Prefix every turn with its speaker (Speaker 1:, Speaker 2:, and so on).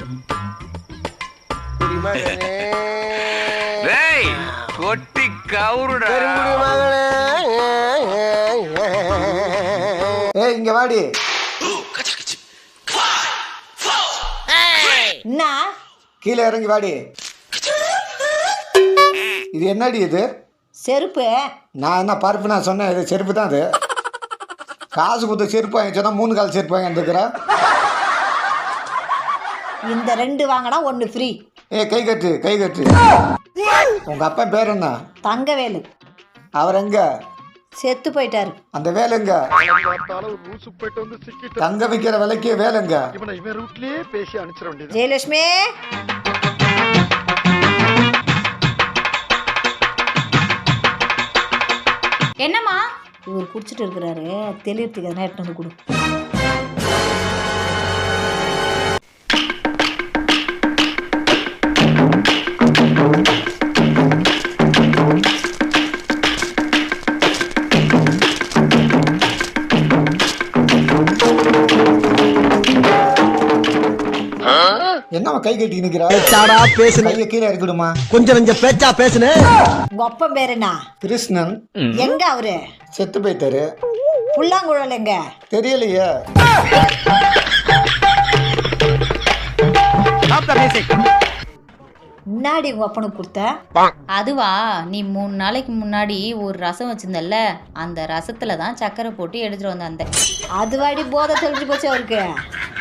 Speaker 1: கொட்டி கவுருடா.
Speaker 2: ஏய் இங்க வாடி.
Speaker 3: என்ன
Speaker 2: கீழே இறங்கி வாடி. இது என்னடி இது?
Speaker 3: செருப்பு.
Speaker 2: நான் என்ன பருப்பு நான் சொன்னேன், இது செருப்பு தான். அது காசு கொடுத்து செருப்பு வாங்கி சொன்னா 3 கால் செருப்பு வாங்கி வந்துருக்குறேன்.
Speaker 3: இந்த 2 வாங்கினா 1 ஃப்ரீ.
Speaker 2: ஏ கை கட்டு கை கட்டு. உங்க அப்பா பேர் என்ன?
Speaker 3: தங்கவேலு.
Speaker 2: அவர் எங்க?
Speaker 3: செத்து போயிட்டாரு.
Speaker 2: அந்த வேலைங்க தங்க விற்கிற விலைக்கு வேலைங்க.
Speaker 3: ஜெயலட்சுமி
Speaker 4: என்னம்மா?
Speaker 3: இவர் குடிச்சிட்டு இருக்கிறாரு, தெளிவுறதுக்கு எதனா எடுத்து வந்து கொடு.
Speaker 2: என்னவா கை கட்டி நிக்கிறா?
Speaker 5: பேச்சாடா பேசுன.
Speaker 2: கையை கீழே இறக்கிடுமா.
Speaker 5: கொஞ்சம் பேச்சா பேசுன.
Speaker 3: உங்க அப்பன் பேர் என்ன?
Speaker 2: கிருஷ்ணன்.
Speaker 3: எங்க அவரு?
Speaker 2: செத்து போயிட்டாரு.
Speaker 3: புல்லாங்குழல் எங்க?
Speaker 2: தெரியலையே.
Speaker 3: முன்னாடி உங்க அப்பனுக்கு கொடுத்த
Speaker 4: அதுவா, நீ 3 நாளைக்கு முன்னாடி ஒரு ரசம் வச்சிருந்தல்ல, அந்த ரசத்துல தான் சக்கரை போட்டு எடுத்துட்டு வந்த.
Speaker 3: அது வாடி போதை தெளிஞ்சு போச்சு அவருக்கு.